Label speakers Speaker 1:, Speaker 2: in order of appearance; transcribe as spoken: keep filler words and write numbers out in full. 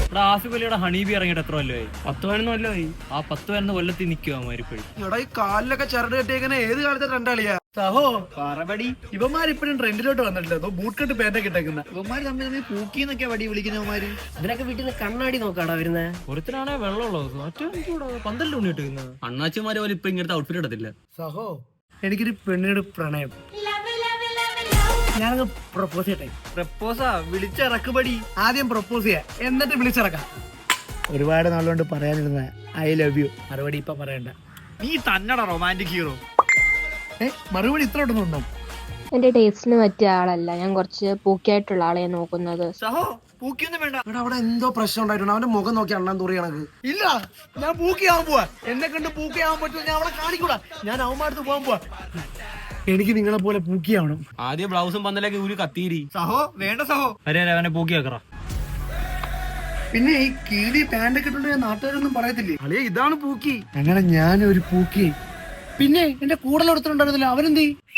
Speaker 1: ഇവിടെ ആസിഫ് അലിയുടെ ഹണീബി ഇറങ്ങിയിട്ട് എത്ര കൊല്ലമായി? പത്ത് പതിനൊന്ന് കൊല്ലമായി. ആ പത്ത് പതിനൊന്ന് കൊല്ലത്തിൽ നിൽക്കുക അവന്മാരിപ്പോഴും.
Speaker 2: എടാ ഈ കാലിലൊക്കെ ചരട് കെട്ടിയേക്കണ ഏത് കാലത്തെ രണ്ടാളിയാ സഹോ പറപടി. ഇവന്മാരിപ്പോഴും ട്രെൻഡിലോട്ട് വന്നിട്ടില്ല. ബൂട്ട് കെട്ട് പേന്റൊക്കെ ഇട്ടേക്കുന്ന ഇവന്മാര് തമ്മിൽ തമ്മിൽ പൂക്കിന്നൊക്കെ വടി വിളിക്കുന്നവന്മാര്.
Speaker 3: ഇതിനൊക്കെ വീട്ടിൽ നിന്ന് കണ്ണാടി നോക്കാടാ വരുന്നേ.
Speaker 1: ഒരുത്തനാണെ വെള്ളമുള്ളത്, മറ്റേ പന്തലിൽ ഉണ്ണിട്ട് അണ്ണാച്ചിമാരെ പോലെ ഇപ്പൊ ഇങ്ങനത്തെ ഔട്ട്ഫിറ്റ് ഇടത്തില്ല.
Speaker 2: സഹോ എനിക്കൊരു പെണ്ണിനോട് പ്രണയം. ഞാനത് പ്രപ്പോസ് ചെയ്യട്ടെ. പ്രപ്പോസാ? വിളിച്ചിറക്കുപടി. ആദ്യം പ്രപ്പോസ് ചെയ്യാ, എന്നിട്ട് വിളിച്ചിറക്കാം. ഒരുപാട് നാളുകൊണ്ട് പറയാനിരുന്ന ഐ ലവ് യു മറുപടി ഇപ്പൊ പറയണ്ട.
Speaker 1: നീ തന്നട റൊമാൻറ്റിക് ഹീറോ.
Speaker 2: ഏ മറുപടി ഇത്ര ഉണ്ടോ?
Speaker 4: എന്റെ ടേസ്റ്റിന് പറ്റിയ ആളല്ല, ഞാൻ കുറച്ച് പൂക്കിയായിട്ടുള്ള ആളെ നോക്കുന്നത്.
Speaker 2: സഹോ പൂക്കിയൊന്നും വേണ്ട. ഇവിടെ അവിടെ എന്തോ പ്രശ്നം ഉണ്ടായിട്ടുണ്ട്. അവന്റെ മുഖം നോക്കി അണ്ണാൻ തൂറി കണക്ക്. ഇല്ല, ഞാൻ പൂക്കിയാവാൻ പോവാ. എന്നെ കണ്ട് പൂക്കിയാവാൻ പറ്റുമോ? ഞാൻ അവിടെ കാണിക്കൂടാ. ഞാൻ അവന്മാരത്ത് പോകാൻ പോവാ. എനിക്ക് നിങ്ങളെ പോലെ പൂക്കിയാവണം.
Speaker 1: ആദ്യം ബ്ലൗസും പന്തലേക്ക് ഊരി കത്തീരി.
Speaker 2: സഹോ വേണ്ട സഹോ.
Speaker 1: അരെ അവനെ പൂക്കി വെക്കറ.
Speaker 2: പിന്നെ ഈ കീഴി പാൻറ്റൊക്കെ ഇട്ടുണ്ട് നാട്ടുകാരൊന്നും പറയത്തില്ലേ അളിയ ഇതാണ് പൂക്കി. അങ്ങനെ ഞാനൊരു പൂക്കി. പിന്നെ എന്റെ കൂടുതൽ എടുത്തിട്ടുണ്ടായിരുന്നില്ല. അവനെന്തീ?